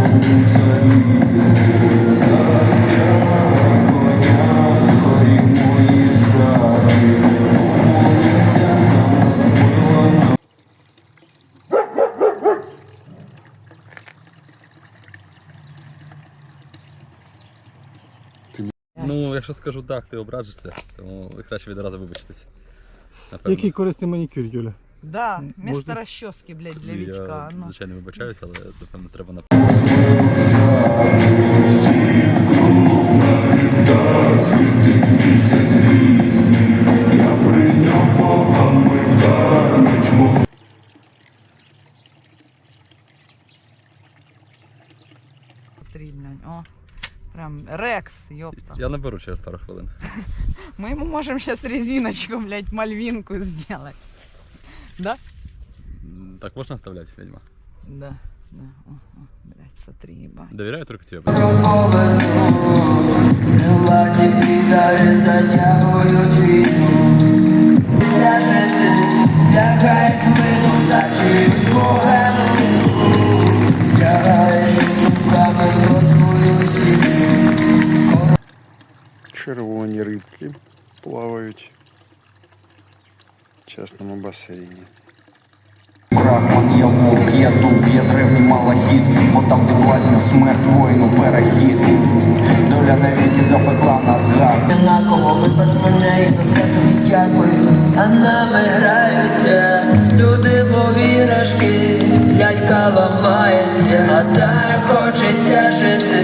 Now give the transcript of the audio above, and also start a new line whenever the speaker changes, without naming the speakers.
Ну, якщо скажу так, ти ображишся, тому краще відразу вибачитись.
Який корисний манікюр, Юля?
Да, вместо расчески, блядь, для Вітька.
Я, звичайно, вибачаюся, але, напевно, треба на...
Три, блядь, о. Прям Рекс, ёпта.
Я наберу через пару хвилин.
Мы ему можем сейчас резиночку, блядь, мальвинку сделать. Да?
Так можна оставлять, ведьма?
Да, да. О, блядь, смотри, ебать.
Доверяю только тебе.
Крилаті підари затягують війну. Це же ти лягаєш вину за чиюсь погану вину. Лягаєш думками про свою сім'ю.
Червоні рибки плавають в частному басейні.
Брахман є вовк, є дуб, є древній малахіт, бо там де власне смерть воїну перехід. Доля навіки запекла нас гад.
Однаково вибач мене і за все тобі дякую. А нами граються люди, повірашки, лялька ламається, а так хочеться жити.